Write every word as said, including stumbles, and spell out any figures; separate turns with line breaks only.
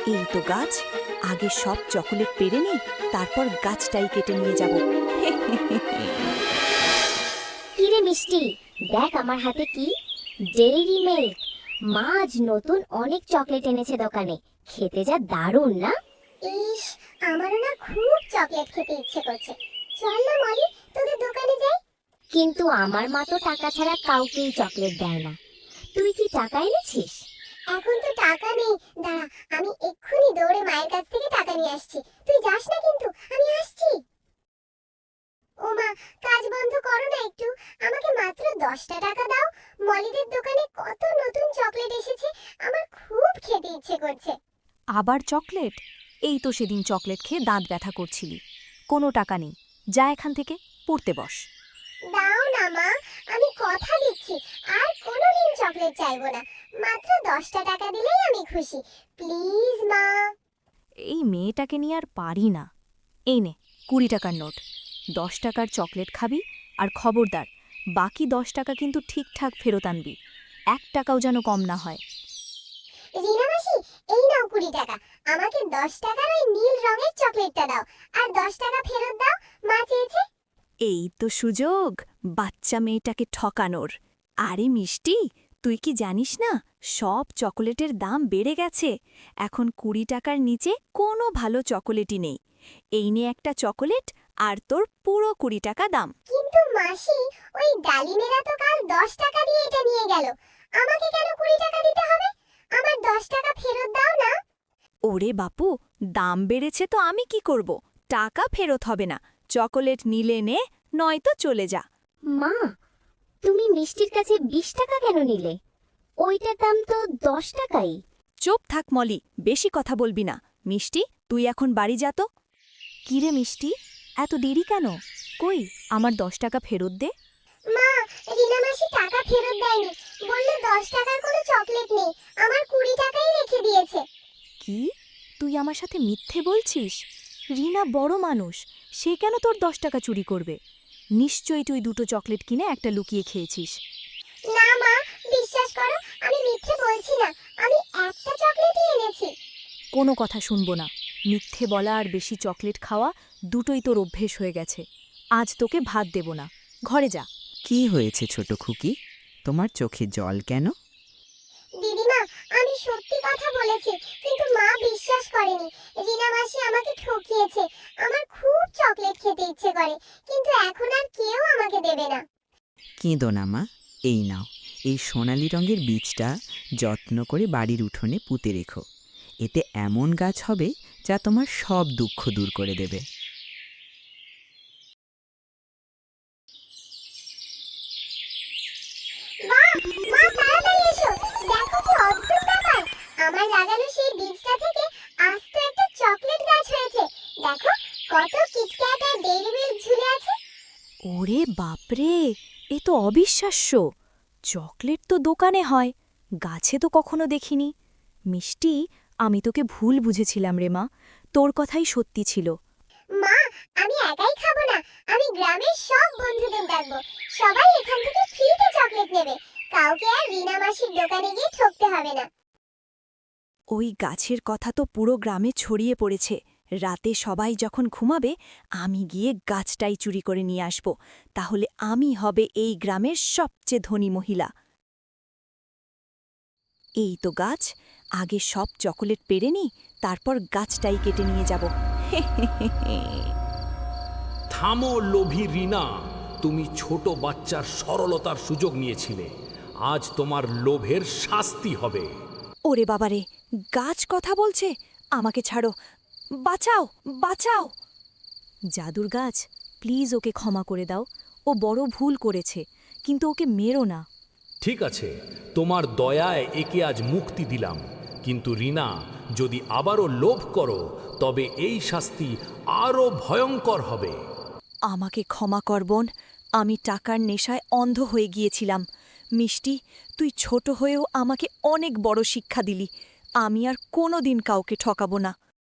এই তো গাছ, আগে সব চকোলেট পেরে নি, তারপর গাছটাই কেটে নিয়ে যাব।
কিরে মিষ্টি, দেখ আমার হাতে কি, ডেইরি মিল্ক। মা আজ নতুন অনেক চকলেট এনেছে দোকানে, খেতে যা দারুণ না।
ইস, আমারও না খুব চকলেট খেতে ইচ্ছে করছে। চল না মলি, তোদের দোকানে যাই।
কিন্তু আমার মা তো টাকা ছাড়া কাউকেই চকলেট দেয় না। তুই কি টাকা এনেছিস?
এখন তো টাকা নেই, দাঁড়া, আমি এক্ষুনি দৌড়ে মায়ের কাছ থেকে টাকা নিয়ে আসছি। তুই যাস না কিন্তু, আমি আসছি। ও মা, কাজ বন্ধ করো না একটু, আমাকে মাত্র দশটা টাকা দাও। মলিদের দোকানে কত নতুন চকলেট এসেছে, আমার খুব খেতে ইচ্ছে করছে।
আবার চকলেট? এই তো সেদিন চকলেট খেয়ে দাঁত ব্যথা করছিলি। কোনো টাকা নেই, যা এখান থেকে, পড়তে বস।
দাও না মা, আমি কথা দিচ্ছি আর কোনোদিন চকলেট চাইবো না। মাত্র দশটা টাকা দিলেই আমি খুশি, প্লিজ মা।
এই মেয়েটাকে নিয়ে আর পারি না। এই নে, কুড়ি টাকার নোট। দশ টাকার চকলেট খাবি, আর খবরদার, বাকি দশ টাকা কিন্তু ঠিকঠাক ফেরত আনবি। এক টাকাও যেন কম না হয়।
রিনা মাসি, এই নাও কুড়ি টাকা। আমাকে দশ টাকার ওই নীল রঙের চকলেটটা দাও, আর দশ টাকা ফেরত দাও, মা চেয়েছে।
এই তো সুযোগ বাচ্চা মেয়েটাকে ঠকানোর। আরে মিষ্টি, তুই কি জানিস না, সব চকোলেটের দাম বেড়ে গেছে। এখন কুড়ি টাকার নিচে কোনো ভালো চকোলেটই নেই। এই নে একটা চকোলেট, আর তোর পুরো কুড়ি টাকা দাম।
কিন্তু মাসি, ওই ডালিমেরা তো কাল দশ টাকা দিয়ে এটা নিয়ে গেল, আমাকে কেন কুড়ি টাকা দিতে হবে? আমার দশ টাকা ফেরত দাও না।
ওরে বাপু, দাম বেড়েছে তো আমি কি করব? টাকা ফেরত হবে না। চকোলেট নিলে নে, নয়তো চলে যা।
মা, তুমি মিষ্টির কাছে বিশ টাকা কেন নিলে? ওইটার দাম তো দশ টাকাই।
চুপ থাক মলি, বেশি কথা বলবি না। মিষ্টি, তুই এখন বাড়ি যা তো। কিরে মিষ্টি, এত দেরি কেন? কই আমার দশ টাকা ফেরত দে।
মা, রিনা মাসি টাকা ফেরত দেয়নি, বলল দশ টাকার কোনো চকলেট নেই, আমার কুড়ি টাকাই রেখে দিয়েছে।
কি, তুই আমার সাথে মিথ্যে বলছিস? রিনা বড় মানুষ, সে কেন তোর দশ টাকা চুরি করবে? নিশ্চয়ই তুই দুটো চকলেট কিনে একটা লুকিয়ে খেয়েছিস।
না মা, বিশ্বাস করো, আমি মিথ্যে বলছি না, আমি একটা চকলেটই এনেছি।
কোনো কথা শুনবো না। মিথ্যে বলা আর বেশি চকলেট খাওয়া দুটোই তোর অভ্যেস হয়ে গেছে। আজ তোকে ভাত দেব না, ঘরে যা।
কি হয়েছে ছোট খুকি, তোমার চোখে জল কেন?
দিদিমা, আমি সত্যি কথা বলেছি, কিন্তু মা বিশ্বাস করেনি। রিনা মাসি আমাকে ঠকিয়েছে। আমার খুব চকলেট খেতে ইচ্ছে করে, কিন্তু এখন আর কেউ আমাকে দেবে না।
কেঁদো না মা, এই নাও, এই সোনালি রঙের বীজটা যত্ন করে বাড়ির উঠোনে পুঁতে রেখো। এতে এমন গাছ হবে যা তোমার সব দুঃখ দূর করে দেবে।
বাহ, মা তাড়াতাড়ি এসো, দেখো কি অদ্ভুত ব্যাপার। আমার লাগানো সেই বীজটা থেকে আস্ত একটা চকলেট গাছ হয়েছে। দেখো, কত কিটক্যাট আর ডেইরি মিল্ক ঝুলে আছে।
ওরে বাপরে, এ তো অবিশ্বাস্য। চকলেট তো দোকানে হয়, গাছে তো কখনো দেখিনি। মিষ্টি, আমি তোকে ভুল বুঝেছিলাম রে মা, তোর কথাই সত্যি ছিল।
মা, আমি একাই খাবো না, আমি গ্রামের সব বন্ধুদের ডাকবো। সবাই এখান থেকে ফ্রিতে চকলেট নেবে, কাউকে আর রিনা মাসির দোকানে গিয়ে ঠকতে হবে না।
ওই গাছের কথা তো পুরো গ্রামে ছড়িয়ে পড়েছে। রাতে সবাই যখন ঘুমাবে, আমি গিয়ে গাছটাই চুরি করে নিয়ে আসব। তাহলে আমি হবে এই গ্রামের সবচেয়ে ধনী মহিলা। এই তো গাছ, আগে সব চকোলেট পেরে নি, তারপর গাছটাই কেটে নিয়ে যাব।
থামো লোভী রিনা, তুমি ছোট বাচ্চার সরলতার সুযোগ নিয়েছিলে। আজ তোমার লোভের শাস্তি হবে।
ওরে বাবারে, গাছ কথা বলছে, আমাকে ছাড়ো, বাঁচাও বাঁচাও। জাদুর গাছ, প্লিজ ওকে ক্ষমা করে দাও। ও বড় ভুল করেছে, কিন্তু ওকে মেরো না।
ঠিক আছে, তোমার দয়ায় একে আজ মুক্তি দিলাম, কিন্তু রিনা, যদি আবারও লোভ করো তবে এই শাস্তি আরও ভয়ঙ্কর হবে।
আমাকে ক্ষমা কর বোন, আমি টাকার নেশায় অন্ধ হয়ে গিয়েছিলাম। মিষ্টি, তুই ছোট হয়েও আমাকে অনেক বড় শিক্ষা দিলি। আমি আর কোনো দিন কাউকে ঠকাবো না।